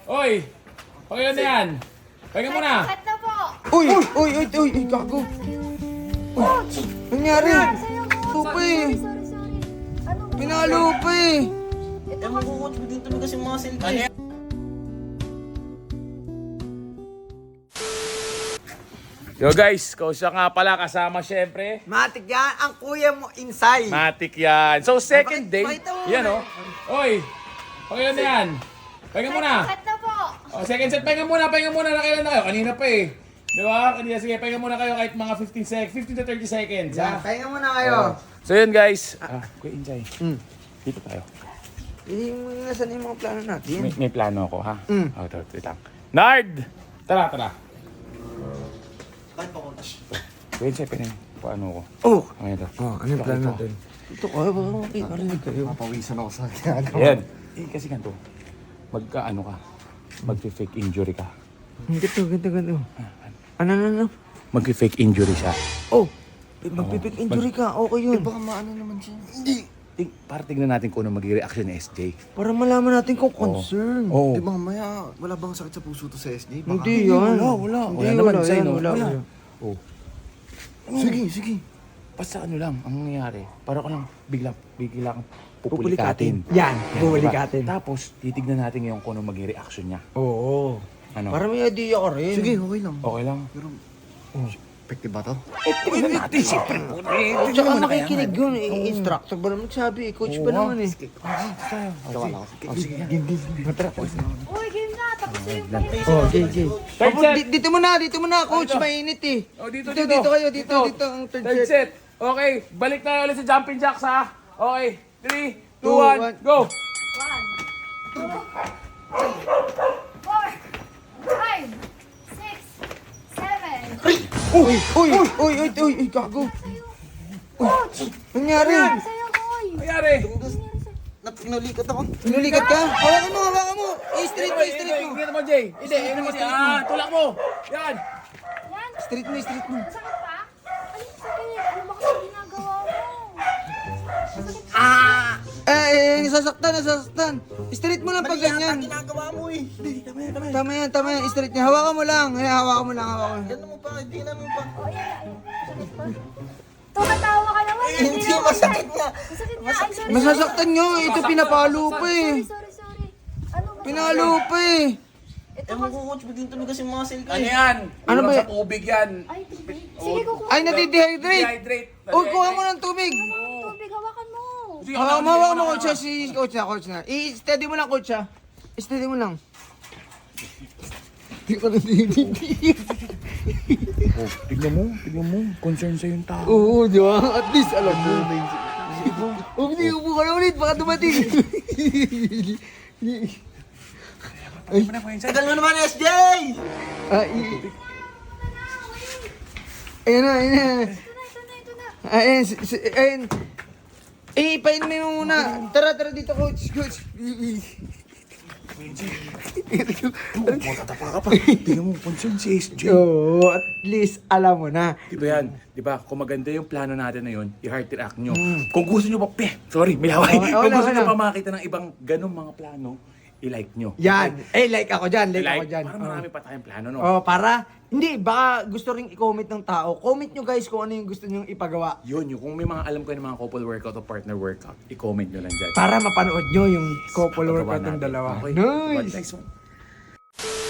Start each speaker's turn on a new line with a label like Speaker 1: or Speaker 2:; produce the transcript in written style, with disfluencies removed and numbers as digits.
Speaker 1: Oy! Pakilan na yan! Pahinga muna!
Speaker 2: Cut na po!
Speaker 3: Uy, gago.
Speaker 2: Coach!
Speaker 3: Nangyari? Lupa eh.
Speaker 2: Sorry. Ano ba?
Speaker 3: Pinalo pa eh.
Speaker 2: Ito
Speaker 4: Ewan ko, coach, biglang tumigas yung muscle ko eh.
Speaker 1: Yo guys, kausap nga pala kasama syempre.
Speaker 3: Matik yan, ang kuya mo inside.
Speaker 1: Matik yan. So second day,
Speaker 3: Pakita mo
Speaker 1: yan o. Oy! Pakilan na yan! Pahinga muna!
Speaker 2: Cut na po!
Speaker 1: O, second set, pahinga muna. Nakailan na kayo? Kanina pa eh. Di ba? Kanina, sige, pahinga muna kayo kahit mga 15 to 30 seconds.
Speaker 3: Yan,
Speaker 1: Ha?
Speaker 3: pahinga muna kayo.
Speaker 1: So yun guys. Kuya Injay, dito tayo.
Speaker 3: Hindi mo nasan yung mga plano natin.
Speaker 1: May plano ako ha.
Speaker 3: Mm.
Speaker 1: Oh, wait lang. Nard! Tara.
Speaker 4: Bakit pa, coach?
Speaker 1: Kuya Injay, paano ako?
Speaker 3: Oh!
Speaker 1: Okay, ito.
Speaker 3: Ano yung plano natin? Ito kayo, baka makikarinig kayo.
Speaker 4: Mapawisan ako sa ginagawa.
Speaker 1: Ayan. Kasi ganito. Magka-ano ka. Mag-fake injury ka.
Speaker 3: Ganito. Ano?
Speaker 1: Mag-fake injury siya.
Speaker 3: Oh! Magpipik injury ka, okay yun.
Speaker 4: Baka maano naman siya.
Speaker 1: Para tignan natin kung ano magiging reaction ni SJ.
Speaker 3: Para malaman natin kung concern.
Speaker 1: Oo.
Speaker 4: Di ba mamaya, wala bang sakit sa puso to sa SJ? Baka-
Speaker 3: Hindi yan.
Speaker 1: Wala.
Speaker 3: Hindi,
Speaker 1: Wala naman
Speaker 3: wala
Speaker 1: sa'yo,
Speaker 3: yan,
Speaker 1: no?
Speaker 3: wala.
Speaker 1: Oh.
Speaker 4: Sige.
Speaker 1: Basta ano lang, ang nangyayari, para ko lang bigla kang pupulikatin.
Speaker 3: Yan,
Speaker 1: Yan,
Speaker 3: pupulikatin.
Speaker 1: diba? Tapos, titignan natin ngayon kung ano magiging reaction niya.
Speaker 3: Oo.
Speaker 1: Ano?
Speaker 3: Para may idea ka rin.
Speaker 4: Sige, okay lang.
Speaker 1: Okay lang.
Speaker 4: Pero, effective ba to?
Speaker 1: Tignan natin, siyempre.
Speaker 3: Tsaka nakikinig yun. Instructor ba naman sabi? Coach ba naman eh.
Speaker 4: Gawa ako.
Speaker 1: Sige.
Speaker 2: Uy, game na! Tapos na yung pahinga.
Speaker 3: Oh, okay.
Speaker 1: Third set.
Speaker 3: Dito muna, coach. Mainit eh.
Speaker 1: Oh, dito
Speaker 3: kayo. Dito ang third
Speaker 1: Third
Speaker 3: set.
Speaker 1: set. Okay, balik na ulit sa jumping jacks ha. Okay, 3, 2,
Speaker 3: Two,
Speaker 1: 1, go!
Speaker 2: 1, 2, 4, 5, 6, 7.
Speaker 3: Uy, gago.
Speaker 2: Coach!
Speaker 3: Nangyari?
Speaker 2: Sa'yo, boy!
Speaker 1: Nangyari?
Speaker 4: Pinulikat ako.
Speaker 3: Pinulikat ka? Hawakan mo. I-straight mo.
Speaker 1: Ingnan mo, Jay. Hindi, ingnan mo siya. Tulak mo. Yan.
Speaker 2: Yan!
Speaker 3: Straight mo.
Speaker 2: Sakit pa? Ano yung sakit? Ano ba kasi ginagawa mo?
Speaker 3: Nasasaktan. Straight mo lang pag ganyan.
Speaker 4: Ginagawa mo eh.
Speaker 3: Tama yan. Straight niya. Hawakan mo lang. Hawakan mo lang.
Speaker 4: Yan mo pa, hindi naman pa.
Speaker 2: O, yan. Sakit pa? Tumatawa ka naman.
Speaker 4: Hindi,
Speaker 2: naman
Speaker 4: masakit nga.
Speaker 2: Masakit nga. Ay, sorry.
Speaker 3: Masasaktan nyo. Ito pinapalo pa eh.
Speaker 2: Sorry. Ano ba?
Speaker 3: Pinalo pa eh.
Speaker 2: Ito
Speaker 4: Ewan
Speaker 2: kasi.
Speaker 4: ko, coach, biglang tumigas yung muscle ko
Speaker 1: Ano
Speaker 4: eh.
Speaker 1: yan?
Speaker 3: Ano ba
Speaker 1: Kulang
Speaker 3: yan?
Speaker 1: sa tubig yan.
Speaker 2: Ay, tubig. Sige, kukuha.
Speaker 3: Ay, nadidehydrate.
Speaker 1: Dehydrate.
Speaker 3: Uy, kuha mo ng tubig.
Speaker 2: Tubig, hawakan mo.
Speaker 1: Sige,
Speaker 3: Hawakan mo, coach. Si coach na. I-steady mo lang, coach ha. I-steady mo lang. Hindi ko
Speaker 1: Oh, tignan mo. Concern sa yung tao.
Speaker 3: Oo, di ba? At least alam mo. Hindi ko ka na ulit. Baka dumating.
Speaker 4: Tagal mo naman, SJ!
Speaker 3: Ayan na.
Speaker 2: Ito na.
Speaker 3: Ayan. Painumin mo muna. Tara dito, coach.
Speaker 1: Matatapa ka pa. Tignan mo, concern si SJ.
Speaker 3: Oo, at least alam mo na.
Speaker 1: Di ba yan? Di ba? Kung maganda yung plano natin na yun, i-heart react nyo. Kung gusto nyo pa, sorry, may laway. Kung gusto nyo pa makita ng ibang ganong mga plano, i-like nyo.
Speaker 3: Yan. Like ako dyan.
Speaker 1: Para marami pa tayong plano, no?
Speaker 3: Oh, hindi, baka gusto ring i-comment ng tao. Comment nyo guys kung ano yung gusto nyo ipagawa.
Speaker 1: Yun, kung may mga alam kayo ng mga couple workout o partner workout, i-comment nyo lang dyan.
Speaker 3: Para mapanood nyo yung couple
Speaker 1: Pagawa
Speaker 3: workout ng
Speaker 1: natin.
Speaker 3: dalawa.
Speaker 1: Okay.
Speaker 3: Nice!
Speaker 1: Next one.